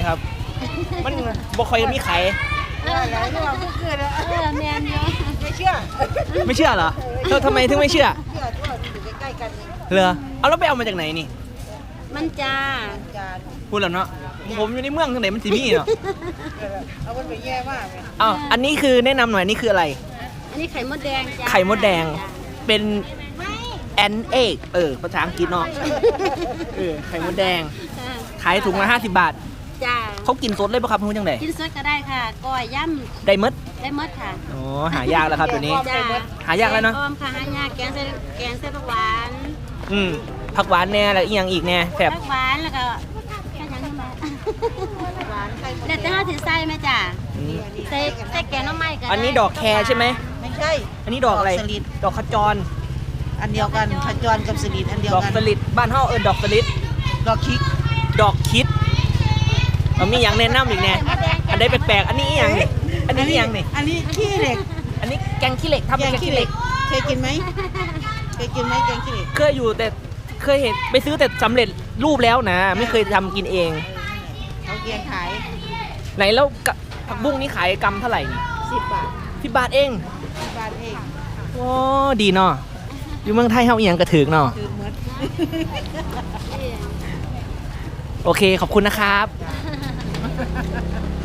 ครับ มันบ่ค่อยมีไข่อะไรที่ว่าเพิ่งเกิดอะแมนเยอะไม่เชื่อไม่เชื่อเหรอเธอทำไมถึงไม่เชื่อเชื่อที่ว่าอยู่ใกล้ๆกันนี่เหรอเอาแล้วไปเอามาจากไหนนี่มันจ้าจานพูดแล้วเนาะผมอยู่ในเมืองทางไหนมันสิมีเนาะเอามันไปแย่มากเลยอ้าวอันนี้คือแนะนำหน่อยนี่คืออะไรอันนี้ไข่มดแดงจ้าไข่มดแดงเป็นan egg ภาษาอังกฤษเนาะไข่มดแดงขายถุงละ50 บาทจ้าเขากินสดเลยปะครับพูดจังไดกินสดก็ได้ค่ะก้อยย่ได้มดำได้หมดค่ะอ๋อหายากแล้วครับตัวนี้จ้าหายากแล้วเนอะแกงอ้อมค่ะหายากแกงเส้นผักหวานผักหวานแน่แล้วอีกอย่างอีกแน่แซ่บผักหวานแล้วก็แค่ยังไม่มาหวานไข่มดเด็ดแดจะงห้าถือไส้ไหมจ้าอืมใส่แกงน้ำไม้กันอันนี้ดอกแครใช่ไหมไม่ใช่อันนี้ดอกอะไรสลิดดอกขจรอันเดียวกันขจรกับสลิดอันเดียวดอกกันสลิดบ้านเฮาดอกสลิดดอกคิกดอกคิดมันมีอย่างแนะนำอีกแน่อันใดแปลกๆอันนี้อหย่างนี่อันนี้อหย่างนี่อันนี้ขี้เหล็กอันนี้แกงขี้เหล็กทำเป็นแกงขี้เหล็กเคยกินไหมเคยกินไหมแกงขี้เหล็กเคยอยู่แต่เคยเห็นไปซื้อแต่สำเร็จรูปแล้วนะ ไม่เคยทำกินเองเขาเกียงขายไหนแล้วผักบุ้งนี่ขายกำเท่าไหร่นี่ 10 บาท 10 บาทเอง 10 บาทเองโอ้ดีเนาะอยู่เมืองไทยเฮาอีหยังกระถึกเนาะคือเหมือนโอเคขอบคุณนะครับ